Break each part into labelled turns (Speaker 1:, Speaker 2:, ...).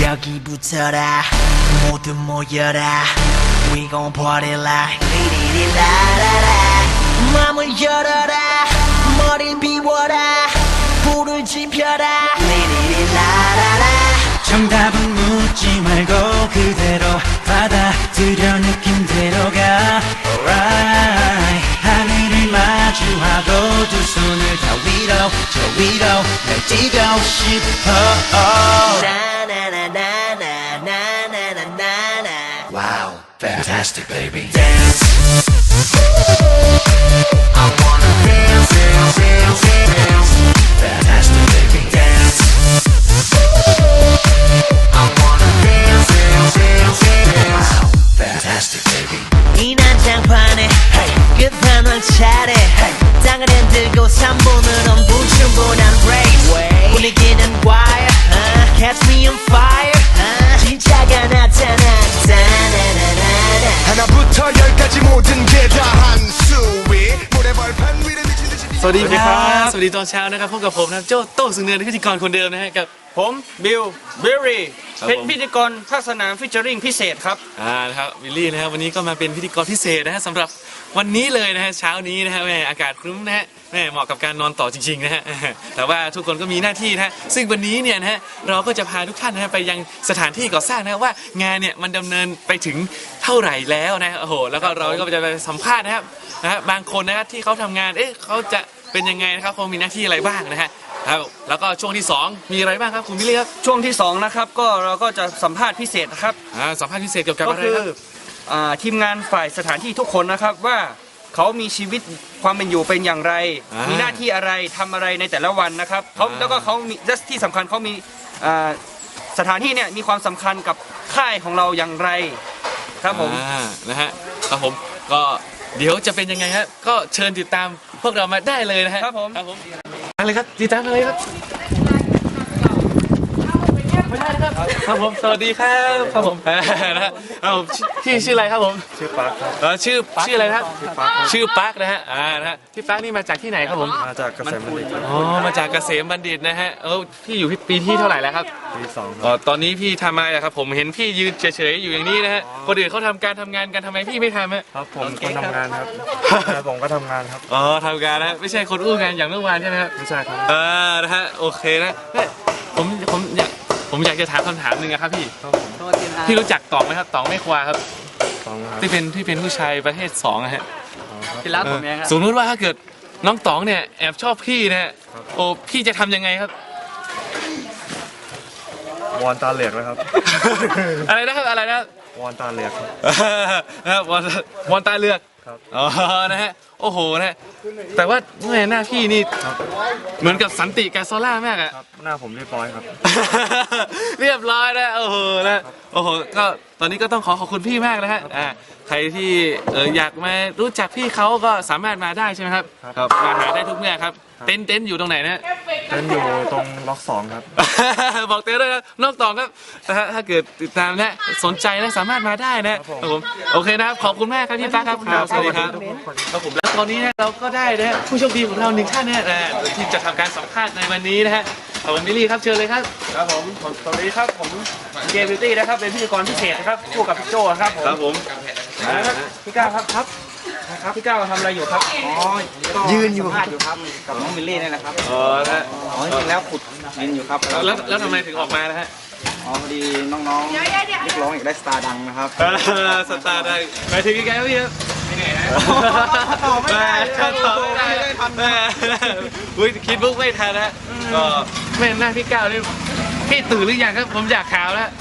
Speaker 1: 여기부터라 모두 모여라 We gon' party like 리리리라라라 맘을 열어라 머리를 비워라 불을 지펴라 리리리라라라
Speaker 2: 정답은 묻지 말고 그대로 받아들여 느낌대로 가 Alright 하늘을 마주하고 두 손을 다 위로 저 위로 날 뛰고 싶어 Wow, fantastic baby Dance I wanna dance, dance, dance, dance Fantastic baby Dance I wanna dance, dance, dance, dance Wow, fantastic baby
Speaker 1: 이 난장판에 끝판왕 차례 땅을 흔들고 3분은 엄부충분한 race 분위기는 wire Catch me on fire 진짜가 나타났다
Speaker 3: 하나부터 열까지 모든 게 다 한수위 모래벌판 위를 미친 듯이
Speaker 4: สวัสดีครับสวัสดีตอนเช้านะครับพบกับผมนะครับโจ้โต้สุเนินพิธีกรคนเดิมนะฮะกับ
Speaker 5: ผมบิลเบอร์รี่
Speaker 4: ครับ
Speaker 5: เป็น
Speaker 4: ผม
Speaker 5: พิธีกรภาคสนามฟิชเจอริงพิเศษครับ
Speaker 4: นะครับวิลลี่นะครับวันนี้ก็มาเป็นพิธีกรพิเศษนะฮะสำหรับวันนี้เลยนะฮะเช้านี้นะฮะแม่อากาศครึ้มนะฮะแม่เหมาะกับการนอนต่อจริงๆนะฮะแต่ว่าทุกคนก็มีหน้าที่นะฮะซึ่งวันนี้เนี่ยนะฮะเราก็จะพาทุกท่านนะฮะไปยังสถานที่ก่อสร้างนะฮะว่างานเนี่ยมันดำเนินไปถึงเท่าไหร่แล้วนะโอ้โหแล้วก็เราก็จะไปสัมภาษณ์นะครับนะฮะบางคนนะครับที่เขาทำงานเขาจะเป็นยังไงนะครับเขามีหน้าที่อะไรบ้างนะฮะครับแล้วก็ช่วงที่2มีอะไรบ้างครับคุณวิลลี่ครับ
Speaker 5: ช่วงที่2นะครับก็เราก็จะสัมภาษณ์พิเศษนะครับ
Speaker 4: สัมภาษณ์พิเศษเกี่ยวกับ
Speaker 5: ก็
Speaker 4: อะไร
Speaker 5: คือ
Speaker 4: ครับ
Speaker 5: ทีมงานฝ่ายสถานที่ทุกคนนะครับว่าเขามีชีวิตความเป็นอยู่เป็นอย่างไร มีหน้าที่อะไรทำอะไรในแต่ละวันนะครับแล้วก็เขามีและที่สำคัญเขามีสถานที่เนี่ยมีความสำคัญกับค่ายของเราอย่างไรครับผม
Speaker 4: นะฮะครับผมก็เดี๋ยวจะเป็นยังไงฮะก็เชิญติดตามพวกเรามาได้เลยนะฮะ
Speaker 5: ครับผม
Speaker 4: อะไรครับติดตามอะไรครับครับผมสวัสดีครับครับผมนะฮะพี่ชื่ออะไรครับผมชื่อปาร์คครับชื่ออะไรครับชื่อปาร์คนะฮะนะฮะพี่ปาร์คนี่มาจากที่ไหนครับผม
Speaker 3: มาจากเกษมบัณฑิต
Speaker 4: อ๋อมาจากเกษมบัณฑิตนะฮะพี่อยู่ปีที่เท่าไหร่แล้วครับ
Speaker 3: ปี2
Speaker 4: ตอนนี้พี่ทำอะไรครับผมเห็นพี่ยืนเฉยๆอยู่อย่างนี้นะฮะคนอื่นเขาทำการทำงานกันทำไมพี่ไม่ทำฮะ
Speaker 3: ครับผมก็ทำงานครับผมก็ทำงานครับ
Speaker 4: ทำการนะไม่ใช่คนอู้งานอย่างเมื่อวานใช่ไหมครับ
Speaker 3: ไม่ใช่ครับ
Speaker 4: นะฮะโอเคนะผมอยากจะถามคำถามหนึ่งนะครับพี่รู้จักต๋องไหมครับต๋องไม่ควาครับ
Speaker 3: 2ครับ
Speaker 4: ที่เป็นผู้ชายประเภท2นะฮะ
Speaker 5: ที่รักผมเองครับ
Speaker 4: สมมติว่าถ้าเกิดน้องต๋องเนี่ยแอบชอบพี่นะฮะโอ้พี่จะทำยังไงครับ
Speaker 3: วอนตาเหลือกนะครับ
Speaker 4: อะไรนะครับอะไรนะครับ
Speaker 3: วอนตาเหลือกครับ
Speaker 4: นะครับวอนตาเลือก
Speaker 3: ครับ
Speaker 4: อ๋อนะฮะโอ้โหนะฮะแต่ว่าแม่หน้าพี่นี่เหมือนกับสันติกาโซล่ามากอะ
Speaker 3: ครับหน้าผมเรียบร้อยครับ
Speaker 4: เรียบร้อยนะโอ้โหนะโอ้โหก็ตอนนี้ก็ต้องขอบคุณพี่มากนะฮะใครที่อยากมารู้จักพี่เขาก็สามารถมาได้ใช่ไหมครับครับมาหาได้ทุกเมื่อครับเต็นท์อยู่ตรงไหนนะ
Speaker 3: เต้นอยู่ตรงล็อก2ครับ
Speaker 4: บอกเต้ด้วยนะนอกตองครับถ้าเกิดติดตามและสนใจและสามารถมาได้นะครับผมโอเคนะครับขอบคุณมากครับพี่ป้าครับสวัสดีครับครับผมแล้วตอนนี้นะเราก็ได้นะผู้โชคดีของเรา1ท่านนะที่จะทำการสัมภาษณ์ในวันนี้นะฮะผมบิลลี่ครับเชิญเลยครับ
Speaker 5: ครับผมสวัสดีครับผมเกมบิวตี้นะครับเป็นพิธีกรพิเศษนะครับคู่กับพี่โจครับผม
Speaker 4: ครับผม
Speaker 5: พี่ก้าวครับพี่ก้าวทำอะไรอยู่ครับยืนอยู่ครับกับน้องมิลลี่นี่แหละครับ
Speaker 4: นะ
Speaker 5: จริงแล้วขุดยืนอยู่ครับ
Speaker 4: แล้วทำไมถึงออกมานะฮะ
Speaker 5: พอดีน้องๆเรียกร้องอยากได้สตาร์ดังนะครับ
Speaker 4: สตาร์ได้ไปถึงกี่แกพี่ครับไม่เหนื่อยนะต่อไม่ได้อุ้ยคิดบุ๊กไม่ทันนะก็แม่หน้าพี่ก้าวนี่พี่ตื่นหรือยังครับผมอยากข่าวแล้ว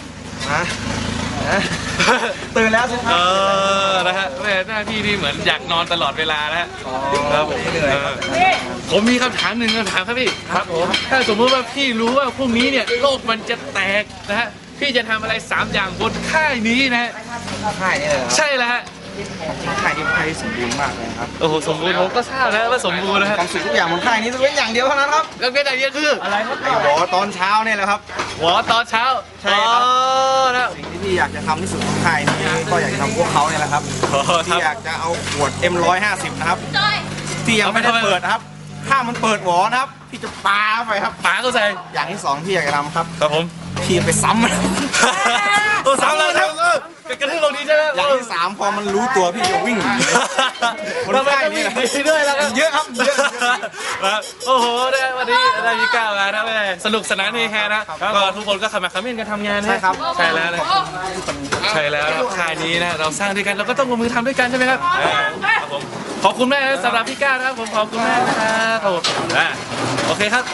Speaker 5: ตื่นแล้วใช่ไหม
Speaker 4: นะฮะแม่หน้าพี่นี่เหมือนอยากนอนตลอดเวลานะฮะครับผม
Speaker 5: เหนื่อย
Speaker 4: ผมมีคำถามหนึ่งคำถามครับพี่ครับผมถ้าสมมติว่าพี่รู้ว่าพรุ่งนี้เนี่ยโลกมันจะแตกนะฮะพี่จะทำอะไร3อย่างบนค่ายนี้นะฮะ
Speaker 5: ค่ายนี่เลย
Speaker 4: ใช่แล้วฮะ
Speaker 5: ค่ายที่ค่ายสมบูรณ์มากเลยครับ
Speaker 4: โอ้โหสมบูรณ์ผมก็ทราบแล้วว่าสมบูรณ์นะฮะ
Speaker 5: ความสุขทุกอย่างบนค่ายนี้จะเป็นอย่างเดียวเท่านั้นครับ
Speaker 4: แล้วเป็นอะไรเนี่ยคืออะไรครับ
Speaker 5: ไอ้หวอตอนเช้าเนี่ยแหละครับ
Speaker 4: หัวตอนเช้า
Speaker 5: ใช่ครับ
Speaker 4: นะ
Speaker 5: สิ่งที่พี่อยากจะทำที่สุดของค่ายนี้ก็อยากจะทำพวกเขาเนี่ยแหละครับที่อยากจะเอาขวด M150 นะครับที่ยังไม่ได้เปิดนะครับ
Speaker 6: ถ้ามันเปิดหวอนะครับพี่จะปาไปครับ
Speaker 4: ป๋าเข้าใจ
Speaker 6: อย่างที่สองที่อยากจะทำครับ
Speaker 4: ครับผม
Speaker 6: พี่ไปซ้ำมัน
Speaker 4: โอ้สามแล้วครับกระทืบลงนี้ใช่ไหม
Speaker 6: อย่างที่สามพอมันรู้ตัวพี่จะวิ่งหนีคน
Speaker 4: ทำไม
Speaker 6: ไข้
Speaker 4: ต้องมี
Speaker 6: นี่แหละ
Speaker 4: ดีด้วยล่ะครับ
Speaker 6: เยอะครับเยอะ
Speaker 4: โอ้โหได้วันนี้ได้มีก้าวมานะแม่สนุกสนานเฮฮานะก็ทุกคนก็ขมักเขม้นกันทำงานนะ
Speaker 6: ใช่ครับ
Speaker 4: ใช่แล้วนะใช่แล้วนะค่ายนี้นะเราสร้างด้วยกันเราก็ต้องลงมือทำด้วยกันใช่ไหมครับครับผมขอบคุณแม่สำหรับพี่ก้าวนะครับผมขอบคุณแม่นะครับครับผมโอเคครับ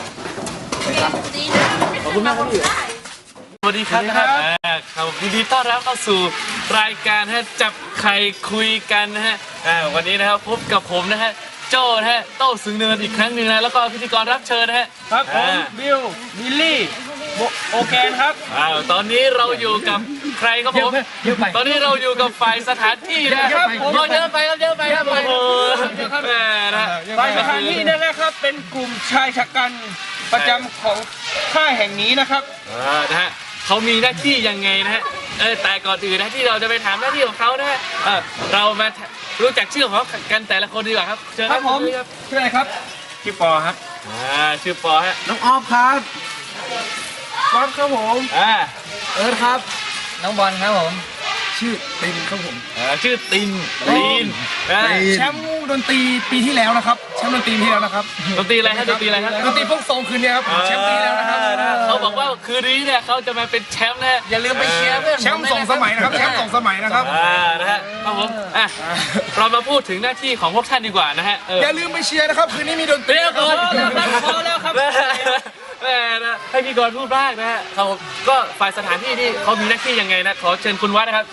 Speaker 4: ขอบคุณมากครับพี่สวัสดีครับนะครับครับยินดีต้อนรับเข้าสู่รายการฮะจับไข่คุยกันนะฮะวันนี้นะครับพบกับผมนะฮะโจ้นะฮะโต้สึงเนินอีกครั้งหนึ่งนะแล้วก็พิธีกรรับเชิญนะฮะ
Speaker 5: ครับผมบิลบิลลี่โอแกนครับ
Speaker 4: ตอนนี้เราอยู่กับใครครับผมตอนนี้เราอยู่กับฝ่ายสถานที่นะครับเยอะไปครับเยอะไปครับโอ้โหแม่นะ
Speaker 5: ฝ่ายสถานที่นั่นแหละครับเป็นกลุ่มชายชะกันประจำของค่ายแห่งนี้นะครับ
Speaker 4: นะฮะเขามีหน้าที่ยังไงนะฮะแต่ก่อนอื่นนะที่เราจะไปถามหน้าที่ของเขานะฮะเรามารู้จักชื่อของเขากันแต่ละคนดีกว่าครับเชิญ
Speaker 5: ครับผมชื่ออะไรครับชื่อปอครับ
Speaker 4: ชื่อปอฮะ
Speaker 6: น้องออฟครับ
Speaker 5: ป๊อปครับผม
Speaker 6: เอิร์ธครับ
Speaker 5: น้องบอลครับผม
Speaker 6: ชื่อตินครับผม
Speaker 4: ชื่อตินนะ
Speaker 6: แชมป์ดนตรีปีที่แล้วนะครับแชมป์ดนตรีที่แล้วนะครับ
Speaker 4: ดนตรีอะไรฮะดนตรีอะไรฮะ
Speaker 6: ดนตรีพวกทรงคืนนี้ครับแชมป์ปีแล้วนะครับ
Speaker 4: เขาบอกว่าคืนนี้เนี่ยเขาจะมาเป็นแชมป์นะอย่าลืมไปเชียร์เพื่อน
Speaker 6: แชมป์2 สมัยนะครับแชมป์2 สมัยนะครับ
Speaker 4: นะฮะครับผมเรามาพูดถึงหน้าที่ของพวกท่านดีกว่านะฮะ
Speaker 6: อย่าลืมไปเชียร์นะครับคืนนี้มีดนตรี
Speaker 4: เรียกก่อนพอแล้วครับแม่นะให้พี่กรณ์พูดบ้างนะฮะเขาก็ฝ่ายสถานที่นี่เขามีหน้าที่ยังไงนะขอเชิญคุณวัดนะครับ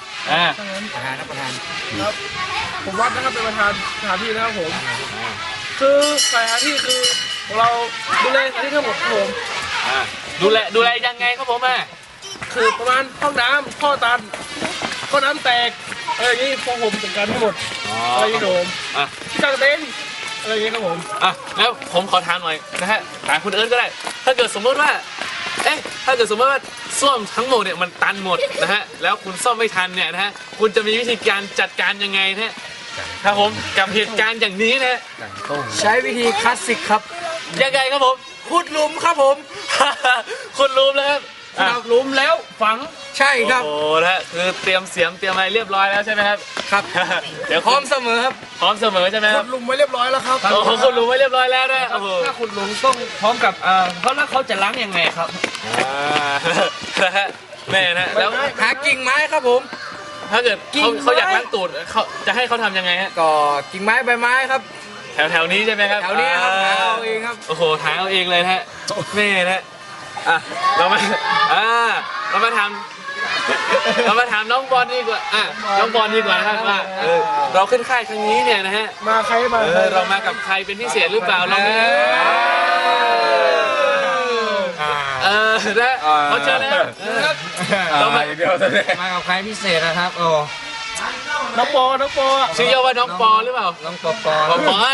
Speaker 5: ผมวัดนะครับเป็นประธานสถานที่นะครับผมคือสถานที่คือเราดูแลสถานที่ทั้งหมดครับผม
Speaker 4: ดูแลยังไงครับผม
Speaker 5: คือประมาณห้องน้ำท่อตันท่อน้ำแตกอะไรอย่างนี้พวกผมจัดการทั้งหมดอะไรอย่างนี้ครับผมที่กางเต็นท์อะไรอย่างนี้ครับผม
Speaker 4: แล้วผมขอถามหน่อยนะฮะถามคุณเอิร์ธก็ได้ถ้าเกิดสมมติว่าถ้าเกิดสมมติว่าส้วมทั้งหมดเนี่ยมันตันหมดนะฮะแล้วคุณซ่อมไม่ทันเนี่ยนะฮะคุณจะมีวิธีการจัดการยังไงนะฮะครับผมกับเหตุการณ์อย่างนี้นะฮะ
Speaker 6: ใช้วิธีคลาสสิกครับ
Speaker 4: ยังไงครับผม
Speaker 6: ขุดหลุมครับผม
Speaker 4: คุณรู้แล้วครับ
Speaker 5: หลุมแล้วฝัง
Speaker 6: ใช่ครับ
Speaker 4: โอ้นะคือเตรียมเสียมเตรียมอะไรเรียบร้อยแล้วใช่ไหมครับ
Speaker 6: ครับ
Speaker 4: เดี๋ยว
Speaker 6: พร้อมเสมอครับ
Speaker 4: พร้อมเสมอใช่ไหมค
Speaker 6: ขุ
Speaker 4: รับ
Speaker 6: ดหลุมไว้เรียบร้อยแล้วครับ
Speaker 4: โอ้โหคุณรู้ไว้เรียบร้อยแล้วนะโอ้โห
Speaker 5: ถ้าขุดหลุมต้องพร้อมกับเขาแล้วเขาจะล้างยังไงครับ
Speaker 4: นะฮะแม่นะแล้ว
Speaker 6: หากิ่งไม้ครับผม
Speaker 4: ถ้าเกิดเขาอยากล้างตูดเขาจะให้เขาทำยังไงฮะ
Speaker 6: ก็กิ่งไม้ใบไม้ครับ
Speaker 4: แถวนี้ใช่ไหมครับ
Speaker 6: แถวนี้ครับหาเอาเองครับ
Speaker 4: โอ้โหหาเอาเองเลยนะฮะแม่นะเรามาถามน้องบอลดีกว่าน้องบอลดีกว่านะครับว่าเราขึ้นค่ายครั้งนี้เนี่ยนะฮะ
Speaker 5: มาใครมา
Speaker 4: เรามากับใครเป็นพิเศษหรือเปล่าเราไม่นะเขาเชิญนะครับเรามา
Speaker 6: มากับใครพิเศษนะครับโอ้
Speaker 5: น้องปอ
Speaker 4: ชื่อย่อว่าน้องปอหรือเปล่า
Speaker 6: น้องปอ
Speaker 4: ปอ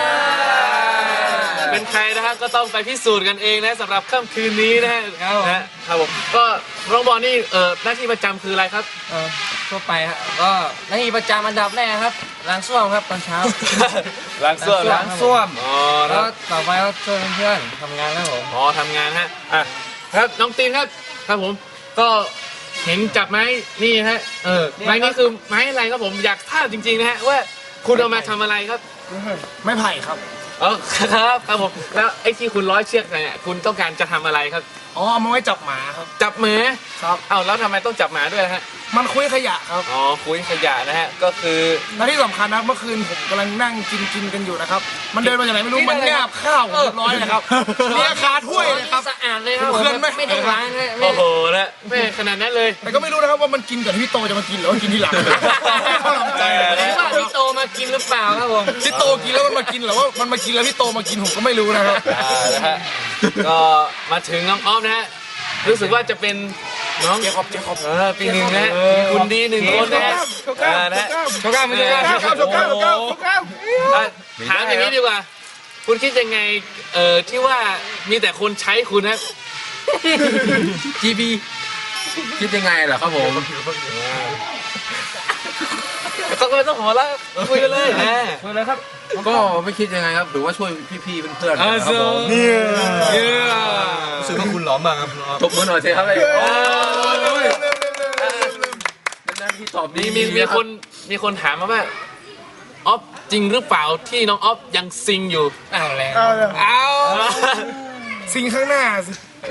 Speaker 4: เป็นใครนะครับก็ต้องไปพิสูจน์กันเองนะสำหรับค่ำคืนนี้นะฮะครับผมก็น้องบอลนี่หน้าที่ประจำคืออะไรครับ
Speaker 6: ทั่วไปครับก็หน้าที่ประจำอันดับแรกครับล้างส้วมครับตอนเช้า
Speaker 4: ล้างส้วม
Speaker 6: ล้างส้วม
Speaker 4: อ๋อ
Speaker 6: แล้วต่อไปก็ช่วยเพื่อนๆทำงานครับผม
Speaker 4: อ๋อทำงานฮะครับน้องตีนครับครับผมก็เห็นจับไม้นี่ฮะไม้นี่คือไม้อะไรครับผมอยากทราบจริงๆนะฮะว่าคุณเอามาทำอะไรครับ
Speaker 6: ไม่ไผ่ครับ
Speaker 4: อ๋อครับผมแล้วไอ้ที่คุณร้อยเชือกเนี่ยคุณต้องการจะทำอะไรครับ
Speaker 6: อ๋อเอามาไว้จับหมาครับ
Speaker 4: จับหมา
Speaker 6: ครับ
Speaker 4: เอ้าแล้วทำไมต้องจับหมาด้วยฮะ
Speaker 6: มันคุยขยะครับ
Speaker 4: อ๋อคุยขยะนะฮะก็คือ
Speaker 6: และที่สำคัญนะเมื่อคืนผมกำลังนั่งกินกันอยู่นะครับมันเดินมาจากไหนไม่รู้มันงาบข้าวผมเรียบร้อยเลยครับเนี่ยคาถ้วยเลยครับ
Speaker 5: สะอาดเลยครับ
Speaker 6: เพื่อนไม่ได้ล้าง
Speaker 4: โอ้โหนะไม่ขนาดนั้นเลย
Speaker 6: แต่ก็ไม่รู้นะครับว่ามันกินก่อนที่พี่โตจะมากินหรือว่ากินทีหลังเขาลำใจ
Speaker 5: ว่าพี่โตมากินหรือเปล่าครับผม
Speaker 6: พี่โตกินแล้วมันมากินหรือว่ามันมากินแล้วพี่โตมากินผมก็ไม่รู้นะครับ
Speaker 4: นะฮะก็มาถึงน้องออฟนะฮะรู้สึกว่าจะเป็นน้อง
Speaker 6: เจ๊ขอบ
Speaker 4: ปีหนึ่งนะฮะมีคุณดีหนึ่งคนนะฮะนะฮะ
Speaker 6: โชก้าไม่ใช่โชก้าครับโชก้า
Speaker 4: ถามอย่างนี้ดีกว่า คุณคิดยังไงที่ว่ามีแต่คนใช้คุณนะ
Speaker 6: GB คิดยังไงเหรอครับผม
Speaker 4: ต้องหัวแล้วคุยกันเลยนะ
Speaker 5: คุยเลยครับ
Speaker 7: ก็ไม่คิดยังไงครับหรือว่าช่วยพี่ๆเพื่อนๆนะครับผม
Speaker 4: เนี่ย
Speaker 7: รู้สึกว่าคุณหลอมมากครับตบมือหน่อยสิครับเลยนั่นที่ตอบดี
Speaker 4: มีคนถามมาว่าออฟจริงหรือเปล่าที่น้องออฟยังซิงอยู่เอาแล้ว
Speaker 6: เอา สิ่งข้างหน้าสิ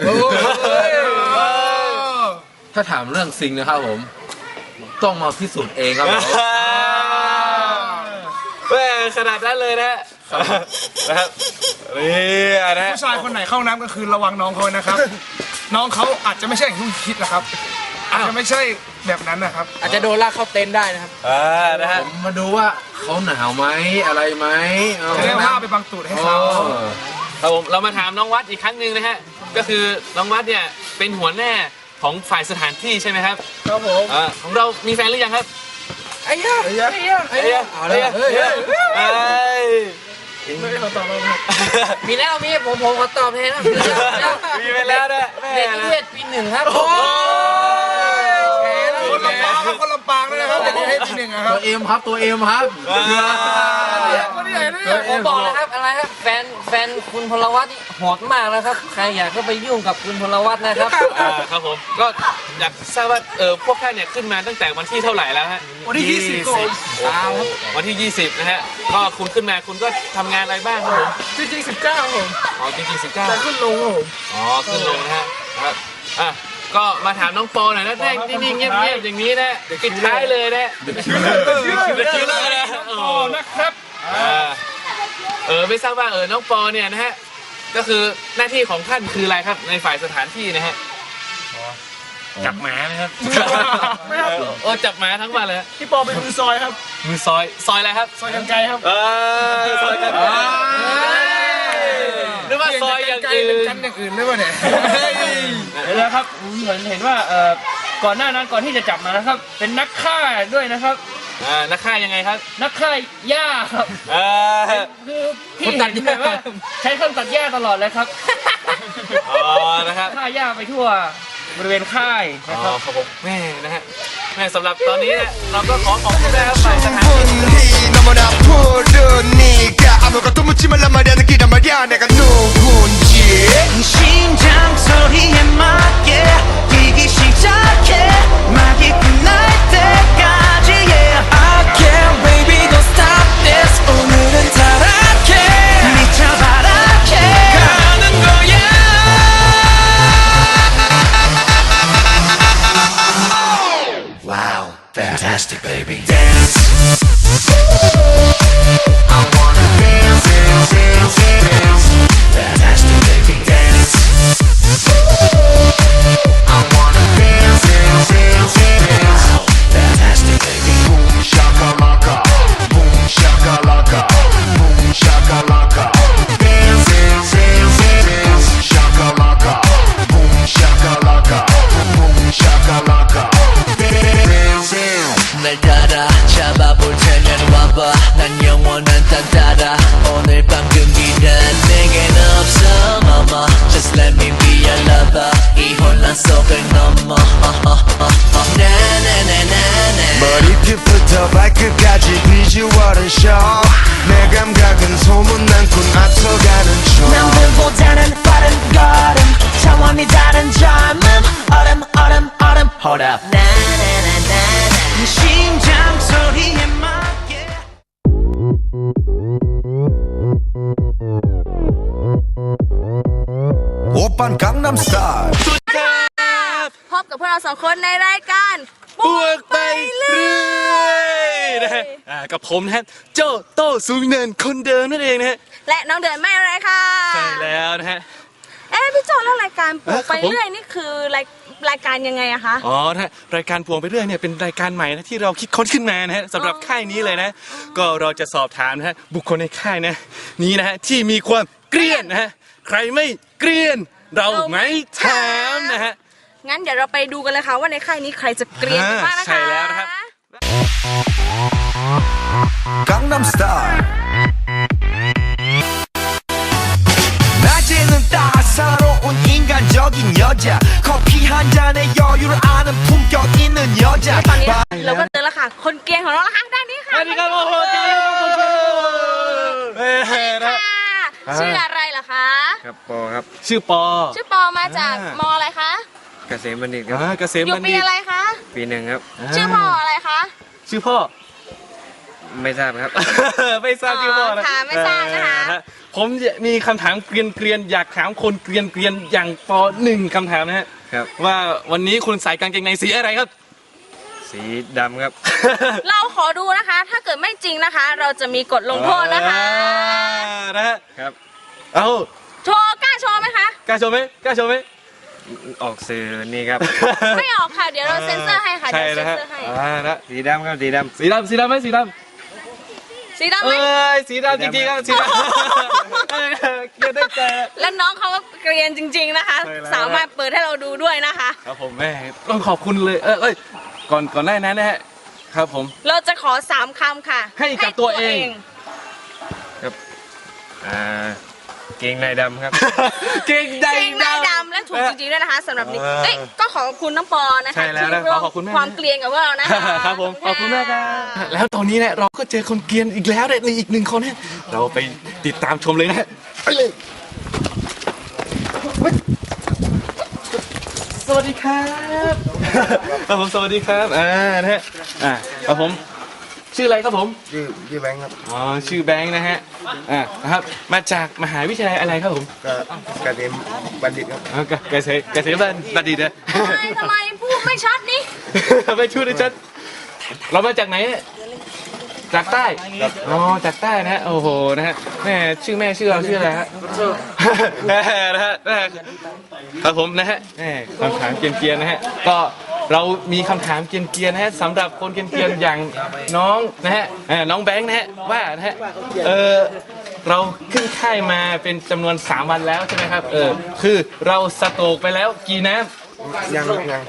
Speaker 7: ถ้าถามเรื่องซิงนะครับผมต้องมาพิสูจน์เองครับผม
Speaker 4: แม่ขนาดนั้นเลยนะครับนี่นะ
Speaker 6: ผู้ชายคนไหนเข้าน้ำก็คือระวังน้องเขานะครับ น้องเขาอาจจะไม่ใช่อย่างที่คุณคิดนะครับ อาจจะไม่ใช่แบบนั้นนะครับ
Speaker 5: อาจจะโดนลากเข้าเต็นท์ได้นะครับ
Speaker 4: นะฮะ
Speaker 7: ผมมาดูว่าเขาหนาวไหมอะไรไหม
Speaker 6: จะได้ผ้าไปบังตูดให้เขา
Speaker 4: ครับผมเรามาถามน้องวัดอีกครั้งหนึ่งนะฮะก็คือน้องวัดเนี่ยเป็นหัวหน้าของฝ่ายสถานที่ใช่ไหมครับ
Speaker 6: ครับผม
Speaker 4: ของเรามีแฟนหรือยังครับ
Speaker 5: ไอ้ย่า
Speaker 7: เอาเลยเฮ้ย
Speaker 6: ไม่ได้เขาตอบมาครับ
Speaker 5: มีแล้วมีผมขอตอบแทนนะ
Speaker 4: มีไปแล้วนะแม่
Speaker 5: เด็ก
Speaker 4: นะ
Speaker 5: เทศปี 1ครับ
Speaker 6: คนลำปางครับคนลำปางเลยนะครับแต่ที่ให้ทีหนึ่งนะครับ
Speaker 7: ตัวเอ็มครับตัวเอ็มครับ
Speaker 6: คนที่ไหนเนี่ย
Speaker 5: ผมบอกนะครับอะไรครับแฟนคุณพลวัตนี่โหดมากนะครับใครอยากก็ไปยุ่งกับคุณพลวัตนะครับ
Speaker 4: ครับผมก็อยากทราบว่าพวกท่านเนี่ยขึ้นมาตั้งแต่วันที่เท่าไหร่แล้วฮะ
Speaker 6: วันที่20ก่อน
Speaker 4: วันที่ 20นะฮะก็คุณขึ้นมาคุณก็ทำงานอะไรบ้างครับผม
Speaker 6: จริงๆ19ครับผม
Speaker 4: อ๋อจริงๆ
Speaker 6: แต่
Speaker 4: 19
Speaker 6: ขึ้นลงครับผม
Speaker 4: อ๋อขึ้นลงนะฮะครับก็มาถามน้องปอหน่อยนะแรกนิ่งๆเงียบๆอย่างนี้นะปิดท้ายเลยนะคิวเลอร์นะ
Speaker 6: โอ้นะครับ
Speaker 4: ไม่ทราบว่าน้องปอเนี่ยนะฮะก็คือหน้าที่ของท่านคืออะไรครับในฝ่ายสถานที่นะฮะ
Speaker 5: จับหมานะครับ
Speaker 6: ไม่ครับ
Speaker 4: โอ้จับหมาทั้งวันเลย
Speaker 6: พี่ปอเป็นมือซอยครับ
Speaker 4: มือซอยอะไรครับ
Speaker 6: ซอยกันไกลครับ
Speaker 4: ซอยกันหรือว่าซอยอย่างอื่น
Speaker 6: เป็นกันอย่างอื่นหรือเปล่าเนี่ย
Speaker 5: เดี๋ยวนะครับผมเห็นว่าก่อนหน้านั้นก่อนที่จะจับมานะครับ เป็นนักฆ่าด้วยนะครับ
Speaker 4: นักฆ่ายังไงครับ
Speaker 5: นักฆ่าหญ้าครับคือพี่ตัดหญ้าว่าใช้เครื่องตัดหญ้าตลอดเลยครับ
Speaker 4: อ๋อนะครับ
Speaker 5: ฆ่าหญ้าไปทั่วบริเวณค่ายนะครับ
Speaker 4: ครับผมแม่นะฮะแม่สำหรับตอนนี้เนี่ยเราก็ขอขอบคุณนะครับฝ่ายสถานที่
Speaker 3: 너무나 푸르니까 아무것도 묻지 말란 말이야 느끼란 말이야 내가 누군지
Speaker 1: 심장 소리에 맞게 뛰기 시작해 막이 끝날 때까지 yeah I can't baby don't stop this 오늘은 타락해 미쳐 바라게 가는 거야
Speaker 2: Wow, fantastic, baby. Dance. I wanna dance, dance, dance, dance. Fantastic, baby. Dance. I wanna dance, dance, dance, dance. Fantastic, baby. Boom shakalaka, boom shakalaka, boom shakalaka. Dance, dance, dance, dance. Shakalaka, boom shakalaka, boom shakalaka.
Speaker 1: 날 따라 잡아볼 테면 와봐 난 영원한 딴따라 오늘 밤 금기란 내겐 없어 mama Just let me be your lover 이 혼란 속을 넘어 나나나나나
Speaker 3: 머리끝부터 발끝까지 비주얼은 show 내 감각은 소문난 꿈 앞서가는 중
Speaker 1: 남들보다는 빠른 걸음 차원이 다른 젊음 얼음 Hold up 나나나나나 심장 소리에 맞게
Speaker 3: 오빤 강남스타일
Speaker 8: พบกับพวกเราสองคนในรายการ
Speaker 4: บวกไปเรื่อยนะฮะกับผมนะฮะโจโต้สูงเนินคนเดิมนั่นเองนะฮะ
Speaker 8: และน้องเดินไม่อะไรค่ะ
Speaker 4: ใช่แล้วนะฮะ
Speaker 8: พี่โจแล้วรายการปลูกไป
Speaker 4: ครับผม
Speaker 8: เรื่อยนี่คือรายการยังไงอะคะ
Speaker 4: อ๋อนะฮะรายการพวงไปเรื่อยเนี่ยเป็นรายการใหม่นะที่เราคิดค้นขึ้นมานะฮะสำหรับค่ายนี้เลยนะ ก็เราจะสอบถามนะฮะบุคคลในค่ายนะนี้นะฮะที่มีความเกรียนนะฮะใครไม่เกรียนเราไม่ถามนะฮะ
Speaker 8: งั้นเดี๋ยวเราไปดูกันเลยค่ะว่าในค่ายนี้ใครจะเกรียนกันบ้างนะคะ
Speaker 4: ใช่แล้วนะครับ
Speaker 3: 강남스타일 낮에는 따사로운 인간적인 여자 커피 한 잔에 여유를 아는 품격 있는 여자
Speaker 8: ตอนนี้เราก็เจอแล้วค่ะค่ะ คนเกรียนของเรานะคะด้านนี้ค่ะ
Speaker 4: สวัสดีครับโอ้โหเจ๊คนเกรียนนะ
Speaker 8: ค่ะชื่ออะไรเหรอคะ
Speaker 5: ครับปอครับ
Speaker 4: ชื่อปอ
Speaker 8: ชื่อปอมาจากมอะไรคะ
Speaker 5: เกษมบัณฑิตครับ
Speaker 4: เกษม
Speaker 8: อยู่
Speaker 4: บัณ
Speaker 8: ปี
Speaker 4: ฑิต
Speaker 8: อะไรคะ
Speaker 5: ปีหนึ่งครับ
Speaker 8: ชื่อพ่ออะไรคะ
Speaker 4: ชื่อพ่อ
Speaker 5: ไม่ทราบครับ
Speaker 4: ไม่ทราบชื่อพ่อนะ
Speaker 8: ค่ะไม่ทราบนะคะ
Speaker 4: ผมมีคำถามเกรียนๆอยากถามคนเกรียนอย่างปอ1คำถามนะฮะ
Speaker 5: ครับ
Speaker 4: ว่าวันนี้คุณใส่กางเกงในสีอะไรครับ
Speaker 5: สีดำครับ
Speaker 8: เราขอดูนะคะ ถ้าเกิดไม่จริงนะคะ เราจะมีกฎลงโทษนะคะ
Speaker 4: นะฮะ
Speaker 5: ครับ
Speaker 4: เอา
Speaker 8: โชว์กล้าโชว์ไหมคะ
Speaker 4: กล้าโชว์ไหมกล้าโชว์ไหม
Speaker 5: ออกสื่อนี่ครับ
Speaker 8: ไม่ออกค่ะ เดี๋ยวเราเซ็นเซอร์ให้ค่ะ
Speaker 4: ใช่
Speaker 8: เดี๋ยว
Speaker 4: นะ
Speaker 8: เซ็น
Speaker 4: ฮะ
Speaker 8: เซอร์ให้
Speaker 4: นะ
Speaker 5: สีดำครับสีดำ
Speaker 4: สีดำไหมสีดำ
Speaker 8: สีดำไหม
Speaker 4: สีดำจริงๆครับสีดำเกลียดได้แต่
Speaker 8: แล้วน้องเขาก็เกรียนจริง ๆนะคะ
Speaker 4: ใช่แล้ว
Speaker 8: สามารถเปิดให้เราดูด้วยนะคะ
Speaker 4: ครับผมแม่ต้องขอบคุณเลยเอ้ยก่อนหน้านั้นนะฮะครับผม
Speaker 8: เราจะขอ3คำค่ะ
Speaker 4: ให้กับตัวเอง
Speaker 5: เกงในดำครับ
Speaker 4: เก่งใจ
Speaker 8: เกงในดำและถูกจริงๆด้วยนะคะสำหรับนี้เอ้ยก็ขอบคุณน้องปอนะคะ
Speaker 4: ใช่แล้วนะ
Speaker 8: ที่ร่วม
Speaker 4: ขอบคุณมาก
Speaker 8: ความเกรียนกับพวกเรานะคะ
Speaker 4: ครับผมขอบคุณมากครับแล้วตอนนี้เนี่ยเราก็เจอคนเกรียนอีกแล้วในอีกหนึ่งคนนะเราไปติดตามชมเลยนะฮะไปเลยสวัสดีครับครับผมสวัสดีครับนะฮะครับผมชื่ออะไรครับผม
Speaker 3: ชื่อแบงค์ครับ
Speaker 4: อ๋อชื่อแบงค์นะฮะนะครับมาจากมหาวิทยาลัยอะไรครับผม
Speaker 3: ก็เกษมบัณฑิตครับ
Speaker 4: อ๋อเกษตรบัณฑิตนะ
Speaker 8: ทำไมพูดไม่ชัดนี่
Speaker 4: ไม่ช่วยดิฉันเรามาจากไหนเนี่ยจากใต้อ๋อจากใต้นะฮะโอ้โหนะฮะแม่ชื่อเราชื่ออะไรฮะนะฮะครับผมนะฮะแม่คำถามเกรียนๆนะฮะก็เรามีคำถามเกรียนๆนะฮะสำหรับคนเกรียนๆอย่างน้องนะฮะน้องแบงค์นะฮะว่านะฮะเราขึ้นค่ายมาเป็นจำนวน3 วันแล้วใช่ไหมครับคือเราสโตรกไปแล้วกี่น้ำยัง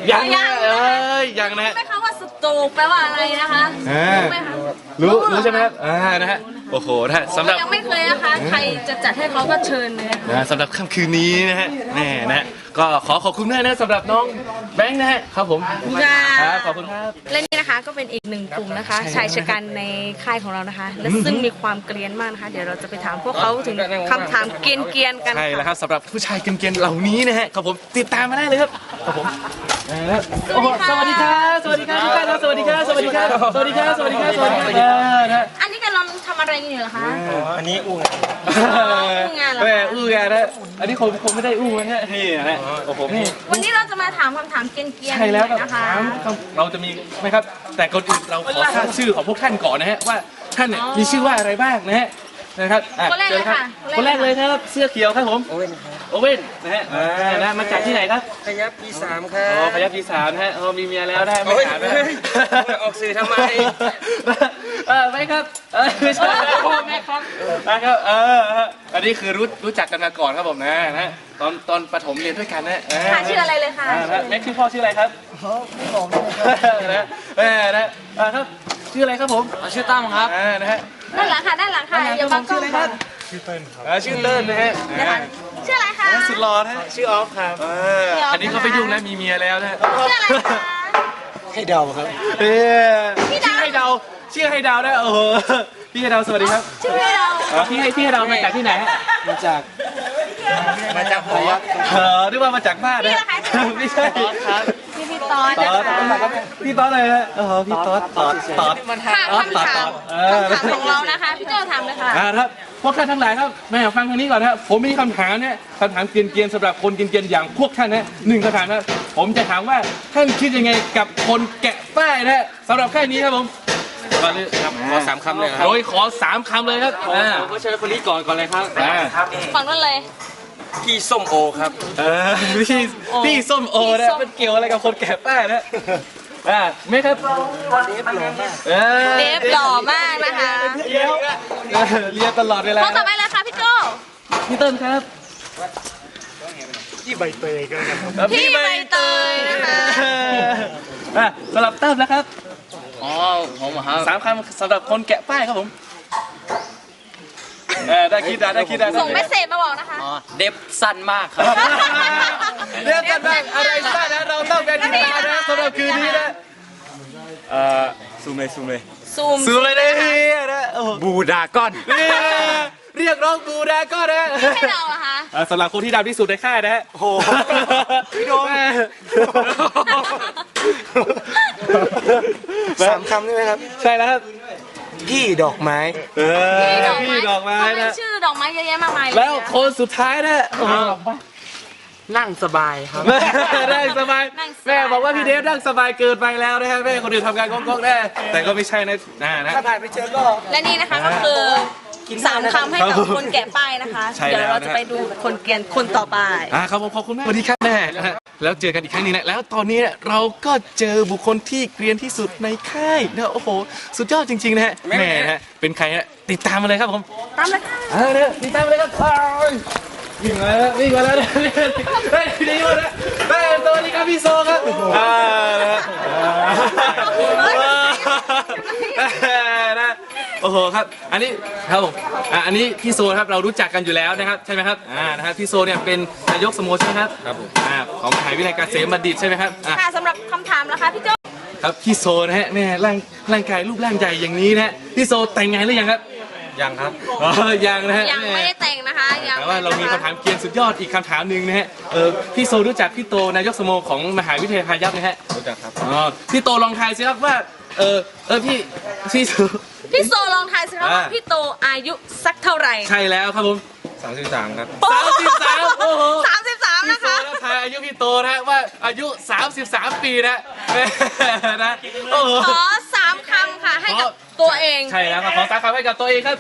Speaker 4: นะฮะ
Speaker 8: ไม่คะว่าสโตรกแปลว่าอะไรนะคะรู้ไหมคะ
Speaker 4: รู้ใช่ไหมครับนะฮะโอ้โหนะฮะสำหรับ
Speaker 8: ยังไม่เคยนะคะ ใครจะจัดให้เขาก็เชิญเลยนะคะ
Speaker 4: สำหรับค่ำคืนนี้นะฮะแน่นะฮะก็ขอบคุณมากนะสำหรับน้องแบงค์นะฮะครับผมครับขอบคุณครับ
Speaker 8: และนี่นะคะก็เป็นอีกหนึ่งกลุ่มนะคะชายชะกันในค่ายของเรานะคะ และซึ่งมีความเกรียนมากนะคะ เดี๋ยวเราจะไปถามพวกเขาถึงคำถามเกรียนๆกัน
Speaker 4: ใช่แล้วค
Speaker 8: ค่ะ
Speaker 4: รับสำหรับผู้ชายเกรียนๆเหล่านี้นะฮะครับผมติดตามมาได้เลยครับครับผมโอ้โหสวัสดีครับสวัสดีครับทุกท่านครับสวัสดีครับสวัสดีครับสวัสดีครับสวัสดีครับสวัสดีครับนะฮะ
Speaker 8: อันนี้กำลังทำอะไรกันอยู่เหรอคะ
Speaker 5: อันนี้อู้
Speaker 8: งานเหรอ
Speaker 4: แม่อู้งานนะอันนี้คงไม่ได้อู้นะฮะนี่นะฮะโอ้โหนี่
Speaker 8: วันนี้เราจะมาถามคำถามเกรียนๆ
Speaker 4: ใช่แล้ว
Speaker 8: หน่อยนะคะ
Speaker 4: เราจะมีไหมครับ แต่ก่อนอื่นเราขอทราบชื่อของพวกท่านก่อนนะฮะว่าท่านเนี่ยมีชื่อว่าอะไรบ้างนะฮะนะครับ
Speaker 8: คนแรกเลยค่ะ
Speaker 4: คนแรกเลยครับเสื้อเขียวครับผมโอเว่นนะฮะนะมาจากที่ไหนครับ
Speaker 5: พยับปี3ครั
Speaker 4: อ๋อบ พยัคฆ์ปี3นะฮะมีเมียแล้วนะฮะไม่ถามนะฮะ
Speaker 5: ออกสื่อทำไม
Speaker 4: ไม่ครับไม่ใช่พ่อแม่ครับนะครับอันนี้คือรู้จักกันมาก่อนครับผมนะตอนประถมเรียนด้วยกันนะ
Speaker 8: ค่ะชื่ออะไรเลยค่ะ
Speaker 4: แม็กชื่อพ่อชื่ออะไรครับไม่บอกนะครับชื่ออะไรครับผมชื่อตั้มครับนะฮะ
Speaker 8: ด้านหลังค่ะด้านหลังค่ะอย่าบังกล้องค่ะ
Speaker 4: ชื่อเติ้ลนะฮะ
Speaker 8: ชื่ออะไรคะ
Speaker 4: สุดหล่อนะฮะชื่อออฟครับอันนี้เขาไปยุ่งแล้วมีเมียแล้วนะ
Speaker 8: ชื่ออะไรคะ
Speaker 3: ให้เดาครับ
Speaker 4: ชื่อให้เดาชื่อให้เดาได้โอ้โหพี่ให้เดาสวัสดีครับ
Speaker 8: ชื่ออะไรเรา
Speaker 4: พี่ให้เดามาจากที่ไหนฮะ
Speaker 3: มาจากพยัคฆ์
Speaker 4: นึกว่ามาจากบ้านนะไม่ใช่ครับ
Speaker 8: พี่ตอด
Speaker 4: ต๊อดพี่ต๊อดเลยฮะพี่ต๊อดต๊อด
Speaker 8: ค่ะคำถามของเรานะคะพี่เจ้าถามเลยค่ะ
Speaker 4: ครับพวกท่านทั้งหลายครับแม่ฟังทางนี้ก่อนนะครับผมมีคำถามเนี่ยคำถามเกรียนๆสำหรับคนเกรียนๆอย่างพวกท่านนะ1คำถามนะผมจะถามว่าท่านคิดยังไงกับคนแกะป้ายนะสำหรับแค่นี้ครับผมขอ3 คำเลยครับโดยขอ3 คำเลยครับผมเชิญคนนี้ก่อนเลยครับ
Speaker 8: ฝั่งนั้นเลย
Speaker 5: พี่ส้มโอครับ
Speaker 4: พี่ส้มโอนะมันเกี่ยวอะไรกับคนแกะป้ายนะไม่ครับ
Speaker 8: เดฟหล่อมากนะคะ
Speaker 4: เรียนตลอดเวลา
Speaker 8: ข้อต่อไปเลยค่ะพี่โจ
Speaker 4: พี่เติ้ลครับ
Speaker 3: ที่ใบเตยกัน
Speaker 8: พี่ใบเตยนะคะ
Speaker 4: สำหรับเติ้ลนะครับ
Speaker 5: ผมครับ
Speaker 4: 3 คำสำหรับคนแกะป้ายครับผมได้คิดได้
Speaker 8: ส่งเมสเซจมาบอกนะคะ
Speaker 5: เด็บสั้นมากครับ
Speaker 4: เรียกกันบ้างอะไรสั้นนะเราต้องการติดตามนะสำหรับคืนนี้นะ
Speaker 5: ซูมเลย
Speaker 8: ซูม
Speaker 4: ซูมเลยนะนะโอ้โห
Speaker 5: บูดาก้อน
Speaker 4: เรียกร้องบูดาก็นะ
Speaker 8: ให้เราอะคะ
Speaker 4: สำหรับคนที่ดำที่สุดในค่ายนะฮะ
Speaker 5: โอ้โหพี่โดม 3 คำใช่ไหมครับ
Speaker 4: ใช่แล้วครับ
Speaker 5: พี่ดอกไม้
Speaker 4: พี่ดอกไม้
Speaker 8: ทำไม
Speaker 4: นะ
Speaker 8: ชื่อดอกไม้เยอะแยะมากมายเย
Speaker 4: แล้วคนสุดท้ายนะโอ้โห
Speaker 5: นั่งสบายครับ
Speaker 4: นั่งสบายแม่บอกว่าพี่เดฟนั่งสบายเกินไปแล้วนะฮะแม่คนอื่นทำงานก้องๆแน่แต่ก็ไม่ใช่นะนะ
Speaker 5: ถ้าผ่านไปเจอก็
Speaker 8: และนี่นะคะก็คือ3 คำให้กับคนแกะป้ายนะคะ
Speaker 4: ใช่แล้ว
Speaker 8: เดี๋ยวเราจะไปดูคนเกลียนคนต่อไป
Speaker 4: ครับผมขอบคุณมากสวัสดีครับแม่นะฮะแล้วเจอกันอีกครั้งหนึงนะแล้วตอนนี้เนี่ยเราก็เจอบุคคลที่เกรียนที่สุดในค่ายนะโอ้โหสุดยอดจริงๆนะฮะแม่นะฮะเป็นใครฮะติดตามมาเลยครับผม
Speaker 8: ตามเลยค่ะ
Speaker 4: เนี่ยติดตามมาเลยครับวิ่งมาแล้ววิ่งมาแล้วนะเฮ้ยดีมากนะเฮ้ยสวัสดีครับพี่โซครับนะโอ้โหครับอันนี้ครับผมอันนี้พี่โซครับเรารู้จักกันอยู่แล้วนะครับใช่ไหมครับนะครับพี่โซเนี่ยเป็นนายกสโมสรครับครับผมของมหาวิทยาลัยเกษมบัณฑิตใช่ไหมครับ
Speaker 8: ค่ะสำหรับคำถามนะคะพี่โจ้
Speaker 4: ครับพี่โซนะฮะแม่ร่างกายรูปร่างใหญ่อย่างนี้นะฮะพี่โซแต่งงานหรือยังครับยังครับยังนะฮะ
Speaker 8: ยังไม่ได้แต่งนะคะยัง
Speaker 4: แต่ว่าเรามีคำถามเกียนสุดยอดอีกคำถามหนึ่งนะฮะพี่โซรู้จักพี่โตนายกสโมของมหาวิทยาลัยพายัพนะฮะรู้จักครับพี่โตลองทายสิครับว่าพี่โซ
Speaker 8: พี่โซลองทายสิคะว่าพี่โตอายุสักเท่าไหร่
Speaker 4: ใช่แล้วครับผม
Speaker 5: 33 ครับ
Speaker 4: 33โอ้โห
Speaker 8: 33
Speaker 4: พี่
Speaker 8: นะ
Speaker 4: โซ
Speaker 8: คะ
Speaker 4: แล้วทายอายุพี่โตนะฮะว่าอายุ33 ปีนะนะโอ้โห
Speaker 8: ขอ3 คำค่ะให้กับตัวเอง
Speaker 4: ใช่แล้วครับขอ3 คำให้กับตัวเองครับ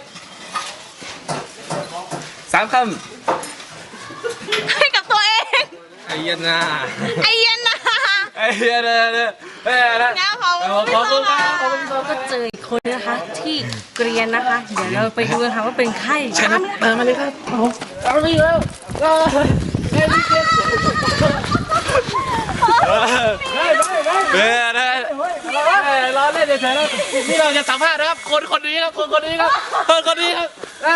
Speaker 4: 3 คำ
Speaker 8: ให้กับตัวเอง
Speaker 5: ไอ้ยันนา
Speaker 8: ไอเย็นนะ
Speaker 4: ไอ้เหี้ยนะ
Speaker 8: งั้นขอบ
Speaker 4: ขอบคุณครับ
Speaker 8: ขอบคุณก็เจออีกคนนะคะที่เกรียนนะคะ เดี๋ยวเราไปดูกันค่ะว่าเป็นใครตามเลยค่ะ
Speaker 4: มาเลยครับเอาไปแล้วเบ้นะล้อเล่นเฉยๆนะนี่เราจะสัมภาษณ์นะครับคนนี้ครับคนนี้ครับคนนี้ครับ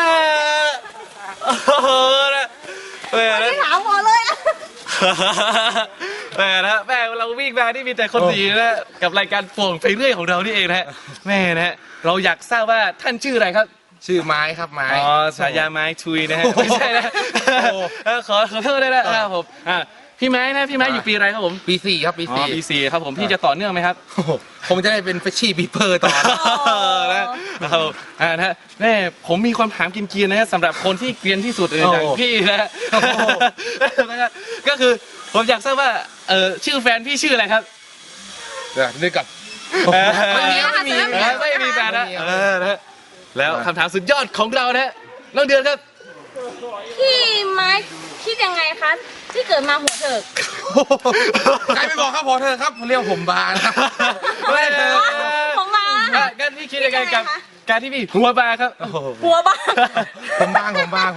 Speaker 4: โอ้โหนะเบ้นะ
Speaker 8: ไม่ถามหมอเลยอะ
Speaker 4: แม่นะแม่เราวิ่งมาที่มีแต่คนดีนะกับรายการโป่งไปเรื่อยของเรานี่เองนะแม่นะเราอยากทราบว่าท่านชื่ออะไรครับ
Speaker 5: ชื่อไม้ครับไม้
Speaker 4: อ๋อฉายาไม้ชุยนะฮะไม่ใช่นะขอโทษด้วยนะครับผมพี่ไม้นะพี่ไม้อยู่ปีอะไรครับผม
Speaker 5: ปี 4 ครับ ปี
Speaker 4: อ๋อปี 4ครับผมพี่จะต่อเนื่องไหมครับ
Speaker 5: 4 ผมจะได้เป็นเฟชชี่บีเปอร์ต่อ
Speaker 4: นะครับนะแม่ผมมีความถามกินเกียนนะฮะสำหรับคนที่เกรียนที่สุดอย่างพี่นะก็คือผมอยากทราบว่าชื่อแฟนพี่ชื่ออะไรครับ
Speaker 5: เดี๋ยวนึกก่อน
Speaker 8: ไม่มีนะคะ
Speaker 4: ไม่มีแฟนนะนะแล้วคำถามสุดยอดของเรานะน้องเดือนครับ
Speaker 8: พี่ไม้คิดยังไงคะที่เกิดมาหัวเถิก
Speaker 5: ใครไม่บอกครับพอเธอครับเรียกผมบานครับ
Speaker 4: ไม่
Speaker 8: ผมมาค่ะ
Speaker 4: งั้นพี่คิดยังไงกับการที่พี่หัวบาครับ
Speaker 8: หัวบ้า
Speaker 5: ผมบาง
Speaker 4: หัวบา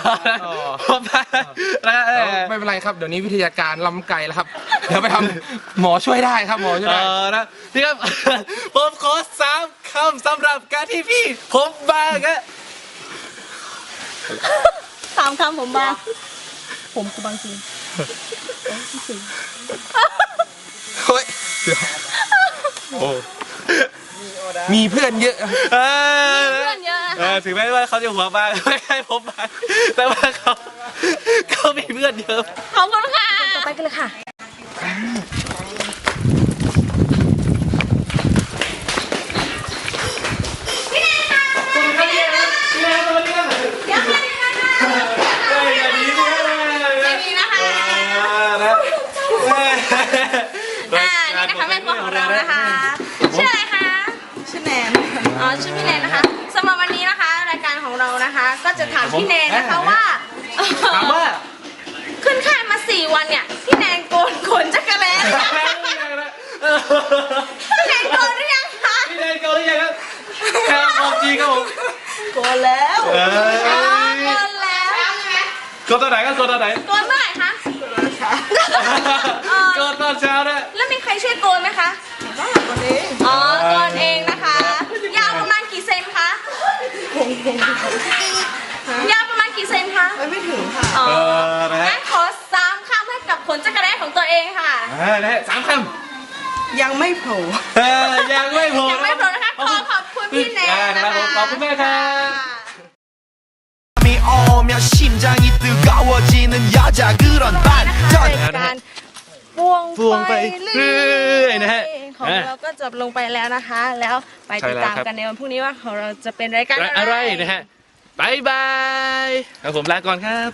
Speaker 4: นะ
Speaker 5: ไม่เป็นไรครับเดี๋ยวนี้วิทยาการล้ำไกลแล้วครับเดี๋ยวไปทำหมอช่วยได้ครับหมอช่วยได้
Speaker 4: นะพี่ครับผมขอ3 คำสำหรับการที่พี่ผมบาครับ
Speaker 8: 3 คำผมบ้าผมคือบางจริง
Speaker 5: เฮ้ยเดี๋ยวมีเพื่อนเยอะ
Speaker 8: เพื่อนเยอะนะคะ
Speaker 4: ถึงแม้ว่าเขาจะหัวบาไม่ใช่ผมบาแต่ว่าเขามีเพื่อนเยอะ
Speaker 8: ขอบคุณค่ะต่อไปกันเลยค่ะนี่นะคะแม่ครัวของเรานะคะชื่ออะไรคะชื่อแนนอ๋อชื่อพี่แนนนะคะสำหรับวันนี้นะคะรายการของเรานะคะ ก็จะถามพี่แนนนะคะว่า
Speaker 4: ถามว่า
Speaker 8: ขึ้นค่ายมา4 วันเนี่ยพี่แนนโกนขนจักรแล้พี่แนนโกนหรือยังคะ
Speaker 4: พี่แนนโกนหรือยังครับครับของจริงครับผม
Speaker 8: โกนแล้วโกนแล้ว
Speaker 4: โกนตอนไหนครับโกนตอนไหน
Speaker 8: โกนเมื่อไหร่คะ
Speaker 4: โกนตอนเช้านะ
Speaker 8: แล้วมีใครช่วยโกนไหมคะโกนเองอ๋อโกนเองนะคะยาวประมาณกี่เซนคะยาวประมาณกี่เซนคะไม่ถึงค่ะอ๋องั้นขอ3 คำให้กับขนจักรแร้ของตัวเองค่ะ
Speaker 4: นะฮะ3 คำ
Speaker 6: ยังไม่โผล่
Speaker 4: ยังไม่พอ
Speaker 8: ยังไม่พอพี่แนนนะคะ
Speaker 4: ขอบคุณมากครับ
Speaker 1: 이 오면 심장이 뜨거워지는 여자 그런
Speaker 8: รายการพวง
Speaker 4: พวงไปเรื่อยนะฮะ
Speaker 8: ของเราก็จบลงไปแล้วนะคะ แล้วไปติดตามกันในวันพรุ่งนี้ว่าของเราจะเป็นรายการ
Speaker 4: อะไรนะฮะบายบายครับผมลาก่อนครับ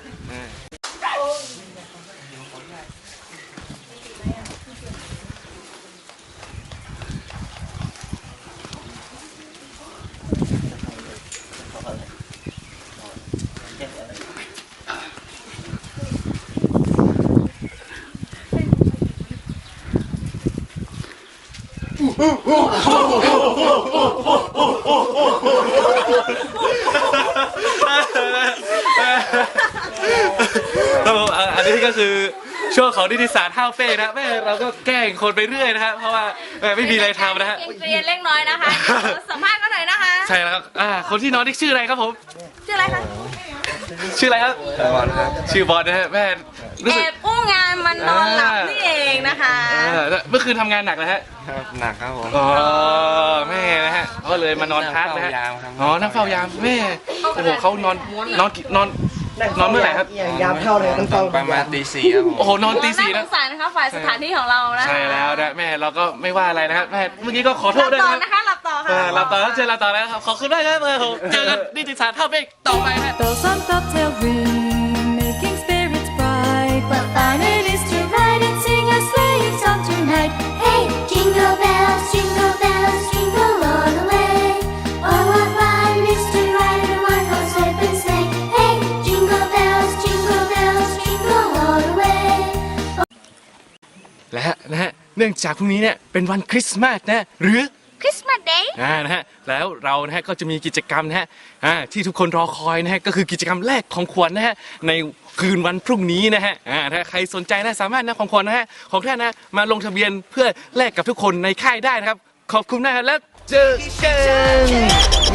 Speaker 4: ครับผมอันนี้ก็คือช่วงของนิติศาสตร์ห้าวเฟ่นะแม่เราก็แกล้งคนไปเรื่อยนะฮะเพราะว่าไม่มีอะไรทำนะฮะ
Speaker 8: เรียนเล็กน้อยนะคะเดี๋ยวสัมภาษณ์กันหน่อยนะคะ
Speaker 4: ใช่แล้วครับคนที่นอนนี่ชื่ออะไรครับผม
Speaker 8: ชื่ออะไรคะ
Speaker 4: ชื่ออะไรครับชื่อบอลนะฮะแม่รู้
Speaker 8: แอ
Speaker 4: สึก
Speaker 8: บอู้งานมันนอนหลับนี่เองนะคะ
Speaker 4: เมื่อคืนทำงานหนักนะฮะ
Speaker 5: หนักครับผม
Speaker 4: อ๋อแม่นะฮะก็เลยมานอนพักนะฮะอ๋อนั่งเฝ้ายามแม่โอ้โหเขานอนเมื่อไหร่ครับ
Speaker 9: ยามเข้าเลยมันฟัง
Speaker 5: ประมาณตี 4ครับผม
Speaker 4: โอ้โหนอนตี 4
Speaker 8: น่า
Speaker 4: นะ
Speaker 8: สงสารนะคะฝ่ายสถานที่ของเรานะคะ
Speaker 4: ใช่แล้วนะแม่เราก็ไม่ว่าอะไรนะครับแม่เมื่อกี้ก็ขอโท
Speaker 8: หลั
Speaker 4: ษ
Speaker 8: บ
Speaker 4: ด้วย
Speaker 8: ต่อ
Speaker 4: นะ
Speaker 8: นะคะหลับต่อค่ะ
Speaker 4: เราต่อแล้วเจอเราต่อแล้วครับขอบคุณมากครับผมเจอกันนิติศาสตร์ท่าเบกต่อไปฮะ
Speaker 10: Bells on bobtail ring, making spirits bright. What fun it is to ride and sing a sleighing song tonight.
Speaker 11: Hey, jingle bells, jingle all the way. Oh, what fun it is to ride in a one-horse open sleigh. Hey, jingle bells, jingle all the way.
Speaker 4: และนะฮะเนื่องจากพรุ่งนี้เนี่ยเป็นวันคริสต์มาสนะหรือ
Speaker 8: คริสต์มาสเดย์
Speaker 4: นะฮะแล้วเรานะฮะก็จะมีกิจกรรมนะฮะที่ทุกคนรอคอยนะฮะก็คือกิจกรรมแลกของขวัญนะฮะในคืนวันพรุ่งนี้นะฮะถ้าใครสนใจนะสามารถนำของขวัญนะฮะของท่านนะมาลงทะเบียนเพื่อแลกกับทุกคนในค่ายได้นะครับขอบคุณนะครับแล้วเจอกัน